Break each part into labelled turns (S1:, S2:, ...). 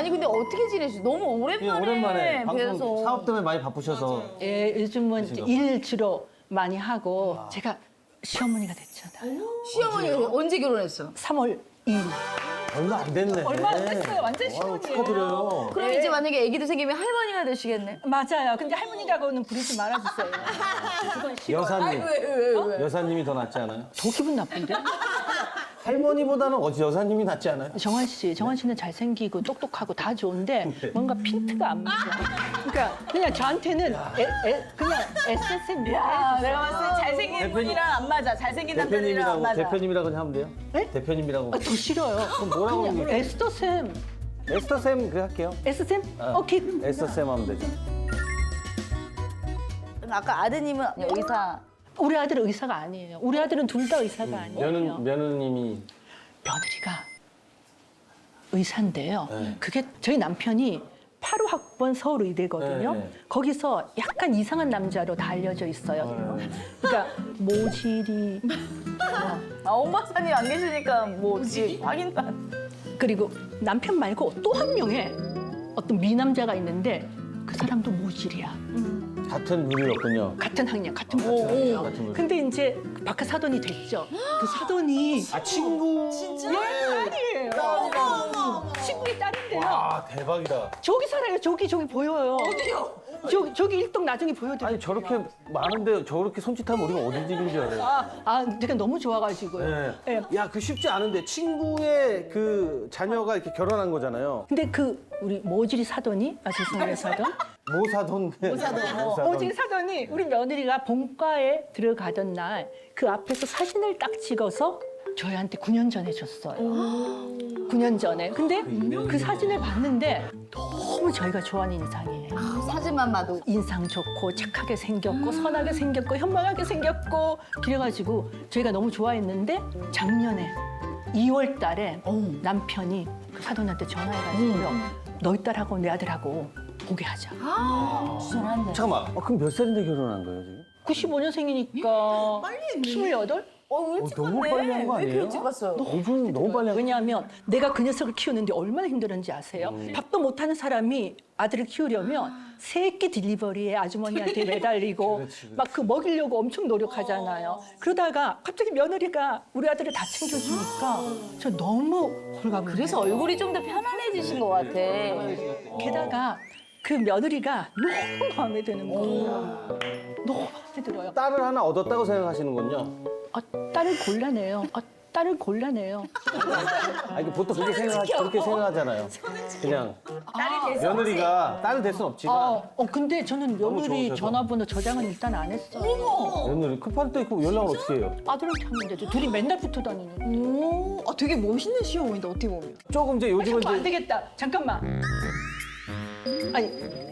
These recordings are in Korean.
S1: 아니 근데 어떻게 지내시? 너무 오랜만에
S2: 방송
S1: 뵈서.
S2: 사업 때문에 많이 바쁘셔서.
S3: 예, 요즘은 이제 일 주로 많이 하고 제가 시어머니가 됐잖아요.
S1: 시어머니가 언제 결혼했어?
S3: 3월 2일.
S2: 얼마 안 됐네.
S3: 얼마 안 됐어요. 완전
S2: 아유,
S3: 시어머니예요.
S2: 축하드려요.
S1: 그럼 이제 만약에 아기도 생기면 할머니가 되시겠네?
S3: 맞아요. 근데 할머니라고는 부르지 말아주세요. 그건 싫어.
S2: 여사님.
S1: 왜?
S2: 여사님이 더 낫지 않아요?
S3: 더 기분 나쁜데?
S2: 할머니보다는 어찌 여사님이 낫지 않아요?
S3: 정환 씨는 잘생기고 똑똑하고 다 좋은데 뭔가 핀트가 안 맞아. 그러니까 그냥 저한테는 그냥 SSM
S1: 야, 내가 봤을 때 잘생긴
S2: 대표님.
S1: 분이랑 안 맞아. 잘생긴 남자들이랑 안 맞아.
S2: 대표님이라고 하면 돼요?
S3: 네?
S2: 대표님이라고.
S3: 더 싫어요.
S2: 그럼 뭐라고
S3: 그냥
S2: 그러는
S3: 에스더쌤.
S2: 에스터쌤 그 할게요.
S3: S쌤?
S2: 어.
S3: 오케이.
S2: 에스터쌤 하면 되죠.
S1: 아까 아드님은 의사.
S3: 우리 아들은 의사가 아니에요. 우리 아들은 둘 다 의사가 아니에요.
S2: 며느님이
S3: 며느리가 의사인데요.
S2: 네.
S3: 그게 저희 남편이 8호 학번 서울의대거든요.
S2: 네.
S3: 거기서 약간 이상한 남자로 다 알려져 있어요. 그러니까 모질이
S1: 아, 엄마사님 안 계시니까 뭐 확인도 안.
S3: 그리고 남편 말고 또 한 명의 어떤 미남자가 있는데 그 사람도 모질이야.
S2: 같은 분이었군요.
S3: 같은 학년, 같은 부서예요.
S2: 같은 부서.
S3: 근데 이제 바깥 사돈이 됐죠. 그 사돈이
S2: 아 친구.
S3: 딸이에요. 친구의 딸인데요.
S2: 와 대박이다.
S3: 저기 살아요. 저기 보여요. 어디요? 저기 일동 나중에 보여드릴게요.
S2: 아니 저렇게 많은데 저렇게 손짓하면 우리가 어디 집인 줄 알아요.
S3: 제가 너무 좋아가지고요.
S2: 네.
S3: 예.
S2: 야, 그 쉽지 않은데 친구의 그 자녀가 이렇게 결혼한 거잖아요.
S3: 근데 우리 모질이 사돈이 죄송해요 사돈.
S2: 모사돈.
S3: 모질이 사돈이 우리 며느리가 본과에 들어가던 날 그 앞에서 사진을 딱 찍어서 저희한테 9년 전에 줬어요. 9년 전에. 근데 그 사진을 봤는데 너무 저희가 좋아하는 인상이에요.
S1: 사진만 봐도.
S3: 인상 좋고 착하게 생겼고 선하게 생겼고 현명하게 생겼고 그래가지고 저희가 너무 좋아했는데 작년에 2월 달에 남편이 그 사돈한테 전화해가지고요. 너희 딸하고 내 아들하고 보게 하자.
S1: 주선한데.
S2: 잠깐만. 그럼 몇 살인데 결혼한 거예요, 지금?
S3: 95년생이니까
S1: 빨리 했네.
S3: 28?
S1: 일찍
S2: 너무
S1: 갔네.
S2: 빨리 한 거
S1: 왜 이렇게
S2: 아니에요?
S1: 일찍 갔어요?
S2: 너무 빨리 한
S3: 왜냐하면 내가 그 녀석을 키우는데 얼마나 힘들었는지 아세요? 밥도 못하는 사람이 아들을 키우려면 새끼 딜리버리에 아주머니한테 매달리고
S2: 그렇지.
S3: 막 그 먹이려고 엄청 노력하잖아요. 그러다가 갑자기 며느리가 우리 아들을 다 챙겨주니까 저 너무 홀가분.
S1: 그래서 얼굴이 좀 더 편안해지신 것 같아.
S3: 게다가 그 며느리가 너무 마음에 드는 거예요. 너무 마음에 들어요.
S2: 딸을 하나 얻었다고 생각하시는군요.
S3: 딸을 골라내요. 딸을 골라내요.
S2: 아니, 보통 그렇게 생각하잖아요. 그냥
S1: 딸이 돼서.
S2: 며느리가 딸 될 순 없지만
S3: 근데 저는
S2: 너무
S3: 며느리
S2: 좋으셔서.
S3: 전화번호 저장은 일단 안 했어요.
S2: 며느리 급할 때 그 연락을 어떻게 해요?
S3: 아들한테 하는데 둘이 맨날 붙어 다니는데.
S4: 되게 멋있는 시어머니인데 어떻게 보면.
S2: 조금 이제 요즘은
S3: 안
S2: 이제
S3: 되겠다. 잠깐만. 아니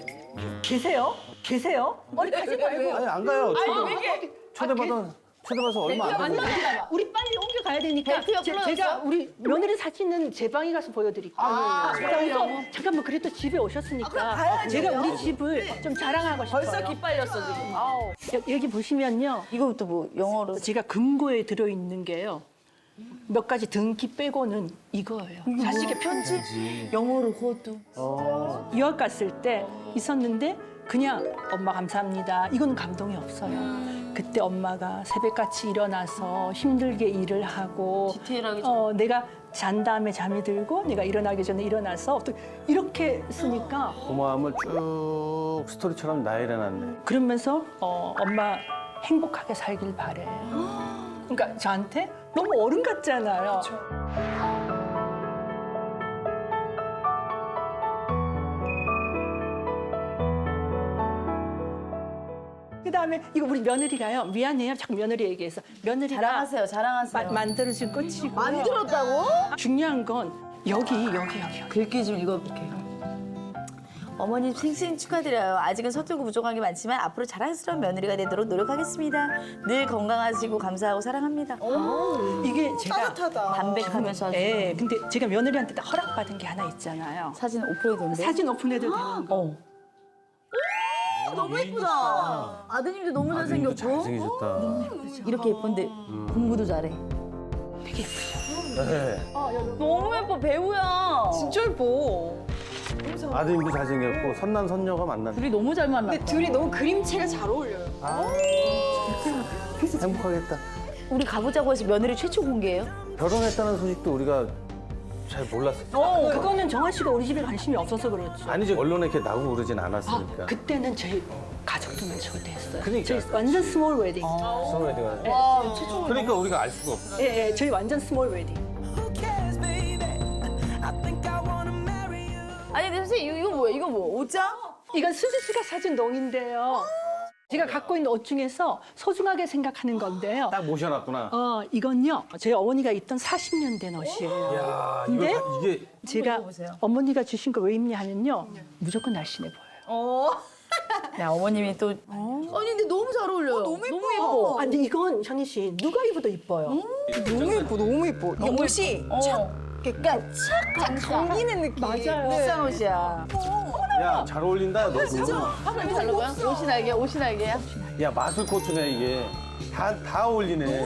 S3: 계세요? 어디 가지 말고.
S2: 아니 안 가요.
S3: 이게
S2: 초대받아서 얼마 안
S3: 아니
S2: 됐어요.
S3: 우리 빨리 옮겨 가야 되니까
S1: 벨트가 풀어졌어?
S3: 제가 우리 며느리 사진은 제 방에 가서 보여드릴게요. 그래서 잠깐만 그래도 집에 오셨으니까 제가 우리 집을 좀 자랑하고 싶어요.
S1: 벌써 기빨렸어 지금. 아우.
S3: 여기 보시면요.
S1: 이거부터 뭐 영어로.
S3: 제가 금고에 들어있는 게요. 몇 가지 등기 빼고는 이거예요. 자식의 편지.
S1: 영어로 호두.
S3: 유학 갔을 때 있었는데 그냥 엄마 감사합니다. 이건 감동이 없어요. 그때 엄마가 새벽같이 일어나서 힘들게 일을 하고
S1: 디테일하게
S3: 내가 잔 다음에 잠이 들고 내가 일어나기 전에 일어나서 또 이렇게 쓰니까
S2: 고마움을 쭉 스토리처럼 나열해놨네.
S3: 그러면서 엄마 행복하게 살길 바래. 그러니까 저한테 너무 어른 같잖아요. 그다음에 이거 우리 며느리가요. 미안해요. 자꾸 며느리 얘기해서 며느리가
S1: 자랑하세요. 자랑하세요.
S3: 만들어준 꽃이고
S1: 만들었다고?
S3: 중요한 건 여기.
S1: 글귀 좀 읽어볼게요. 어머님 생신 축하드려요. 아직은 서툴고 부족한 게 많지만 앞으로 자랑스러운 며느리가 되도록 노력하겠습니다. 늘 건강하시고 감사하고 사랑합니다.
S3: 이게 제가
S4: 따뜻하다.
S1: 담백하면서 아주.
S3: 예, 근데 제가 며느리한테 딱 허락받은 게 하나 있잖아요.
S1: 사진 오프해도 되는데?
S3: 사진 오픈해도 되는 거.
S1: 너무 예쁘다. 아드님도 너무 잘생겼고
S2: 잘생기셨다.
S1: 이렇게 예쁜데 공부도 잘해.
S3: 되게 예쁘죠.
S2: 네.
S1: 너무 예뻐 배우야.
S4: 진짜 예뻐.
S2: 아드님도 잘생겼고 선남 선녀가 만났네.
S1: 둘이 너무 잘 만났다.
S4: 근데 둘이 너무 그림체가 잘 어울려요.
S2: 행복하겠다.
S1: 우리 가보자고 해서 며느리 최초 공개예요?
S2: 결혼했다는 소식도 우리가 잘 몰랐어.
S3: 그거는 정한 씨가 우리 집에 관심이 없어서 그렇죠.
S2: 아니지 언론에 이렇게 나오고 그러진
S3: 아,
S2: 않았으니까.
S3: 그때는 저희 가족들만 초대했어요.
S2: 그러니까.
S3: 저희 완전 스몰 웨딩.
S2: 스몰 웨딩을.
S1: 와, 최초.
S2: 그러니까 우리가 알 수가 없어.
S3: 예, 예, 저희 완전 스몰 웨딩.
S1: 아니, 근데 선생님, 이거 뭐야? 이거 뭐? 옷장?
S3: 이건 수지 씨가 사준 농인데요. 제가 갖고 있는 옷 중에서 소중하게 생각하는 건데요.
S2: 딱 모셔놨구나.
S3: 이건요, 저희 어머니가 입던 40년 된 옷이에요.
S2: 야,
S3: 근데
S2: 이게
S3: 제가 어머니가 주신 거 왜 입냐 하면요, 무조건 날씬해 보여요.
S1: 야, 어머님이 또. 아니, 근데 너무 잘 어울려요. 너무 예뻐.
S3: 아, 근데 이건 현희 씨 누가 입어도 이뻐요.
S4: 너무 예뻐, 너무 예뻐. 이 옷이 약간 착 감기는 느낌.
S3: 맞아요.
S1: 비싼 옷이야.
S2: 야 잘 어울린다. 너
S1: 화장이 다른 거야? 옷이 날개, 옷이 날개야?
S2: 야 마술 코트네 이게. 다 어울리네.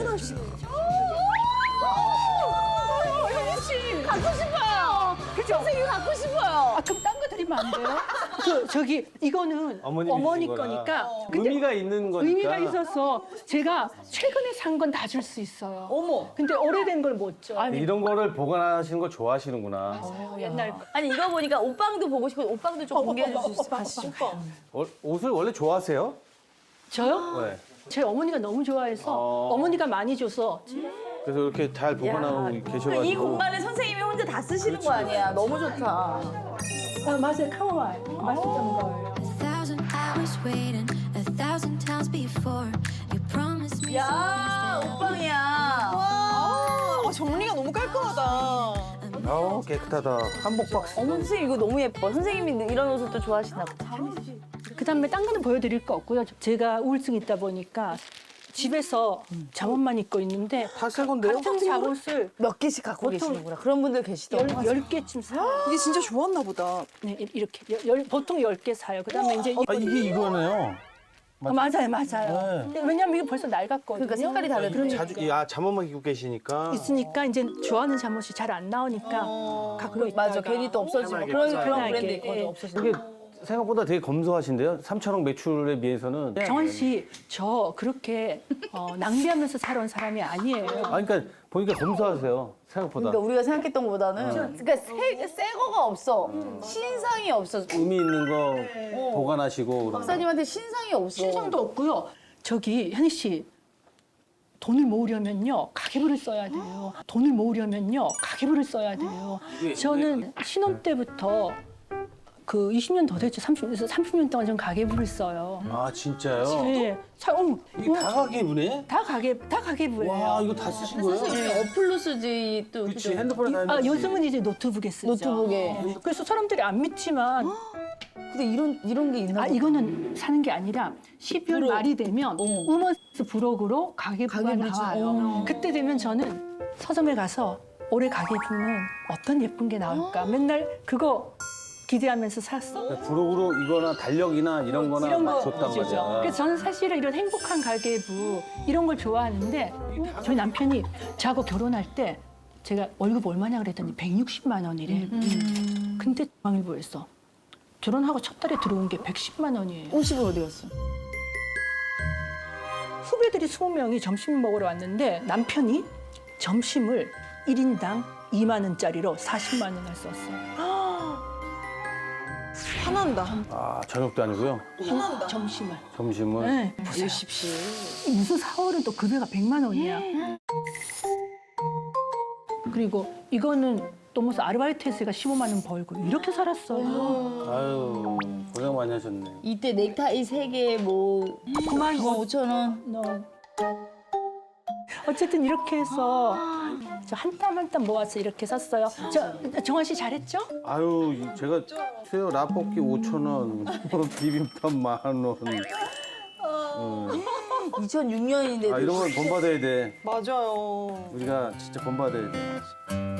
S1: 갖고 싶어요. 그죠? 선생님 갖고 싶어요.
S3: 아, 그럼 딴 거 드리면 안 돼요? 이거는
S2: 어머님이
S3: 어머니
S2: 주신 거라.
S3: 거니까. 근데
S2: 의미가 있는 거니까.
S3: 의미가 있어서 제가 최근에 산 건 다 줄 수 있어요.
S1: 어머.
S3: 근데 오래된 걸 못 줘.
S2: 이런 거를 보관하시는 걸 좋아하시는구나.
S3: 옛날 거.
S1: 아니, 이거 보니까 옷방도 보고 싶어. 옷방도 좀 공개해 줄 수 있으시죠?
S2: 옷을 원래 좋아하세요?
S3: 저요?
S2: 네.
S3: 제 어머니가 너무 좋아해서 어머니가 많이 줘서
S2: 그래서 이렇게 잘 보관하고 계셔가지고.
S1: 이 공간을 선생님이 혼자 다 쓰시는 거 아니야. 너무 좋다.
S3: 아, 맞아요. 카모마일 맛있던 거예요.
S5: 1,000 hours waiting, 1,000 times before. You promised me
S1: 야, 옷방이야.
S4: 정리가 너무 깔끔하다.
S2: 아우 깨끗하다. 한복 박스.
S1: 어머, 선생님 이거 너무 예뻐. 선생님이 이런 옷을 또 좋아하시나 보다.
S3: 그다음에 딴 거는 보여드릴 거 없고요. 제가 우울증이 있다 보니까 집에서 잠옷만 입고 있는데
S2: 다 새 건데요?
S3: 같은 잠옷을
S1: 몇 개씩 갖고 계시는구나. 그런 분들 계시더라고요.
S3: 10개쯤 사요.
S4: 이게 진짜 좋았나 보다.
S3: 네, 이렇게 보통 10개 사요. 그다음에 이제
S2: 아 이게 이거네요.
S3: 맞아요, 맞아요. 근데 왜냐면 이게 벌써 낡았거든요.
S1: 그러니까 색깔이 다르. 그러니까.
S2: 자주 잠옷만 입고 계시니까.
S3: 있으니까 이제 좋아하는 잠옷이 잘 안 나오니까 갖고 있다가
S1: 맞아, 괜히 또 없어지고
S2: 편하게
S1: 그런
S3: 편하게.
S1: 브랜드
S3: 예.
S1: 있거든. 없어지고.
S2: 이게 생각보다 되게 검소하신데요? 3천억 매출에 비해서는.
S3: 정원 씨, 저 그렇게 낭비하면서 살아온 사람이 아니에요.
S2: 아 그러니까 보니까 검소하세요. 생각보다.
S1: 그러니까 우리가 생각했던 것보다는 그러니까 새 거가 없어. 신상이 없어.
S2: 의미 있는 거 보관하시고. 그런 거.
S1: 박사님한테 신상이 없어.
S3: 신상도 없고요. 저기 현희 씨, 돈을 모으려면요 가계부를 써야 돼요. 돈을 모으려면요 가계부를 써야 돼요. 저는 신혼 때부터 그 20년 더 됐죠. 30년 동안 전 가계부를 써요.
S2: 아 진짜요?
S3: 네.
S2: 이게 다 가계부네?
S3: 다 가계부예요.
S2: 와 이거 다 쓰신 거예요?
S1: 선생님 어플로 쓰지 또.
S2: 그치
S1: 그죠?
S2: 핸드폰에 다
S3: 아,
S2: 해놓지.
S3: 요즘은 이제 노트북에 쓰죠.
S1: 노트북에.
S3: 그래서 사람들이 안 믿지만
S1: 근데 이런 게 있나?
S3: 아, 이거는 사는 게 아니라 12월 말이 되면 우먼스 부록으로 가계부가
S1: 가계부를
S3: 나와요. 그때 되면 저는 서점에 가서 올해 가계부는 어떤 예쁜 게 나올까 맨날 그거 기대하면서 샀어.
S2: 부록으로 이거나 달력이나 이런 거나
S3: 이런 거
S2: 줬단
S3: 주죠.
S2: 말이야.
S3: 그래서 저는 사실은 이런 행복한 가계부 이런 걸 좋아하는데 저희 남편이 저하고 결혼할 때 제가 월급 얼마냐 그랬더니 160만 원이래. 근데 중앙일보에서 결혼하고 첫 달에 들어온 게 110만 원이에요.
S1: 50은 어디 갔어?
S3: 후배들이 20명이 점심 먹으러 왔는데 남편이 점심을 1인당 2만 원짜리로 40만 원을 썼어요.
S4: 화난다.
S2: 아 저녁도 아니고요.
S3: 점심을.
S2: 점심을.
S3: 네.
S4: 보십시오.
S3: 무슨 4월은 또 급여가 100만 원이야. 그리고 이거는 또 무슨 아르바이트해서 제가 15만 원 벌고 이렇게 살았어요.
S2: 아유 고생 많이 하셨네.
S1: 이때 넥타이 3개 뭐
S3: 9만
S1: 5,000원.
S3: 원. 어쨌든 이렇게 해서 저 한 땀 한 땀 모아서 이렇게 샀어요. 정환 씨 잘했죠?
S2: 아유 제가 수요 라볶이 5,000원, 비빔밥 10,000원.
S1: 2006년인데.
S2: 아 이런 건 본받아야 돼.
S4: 맞아요.
S2: 우리가 진짜 본받아야 돼.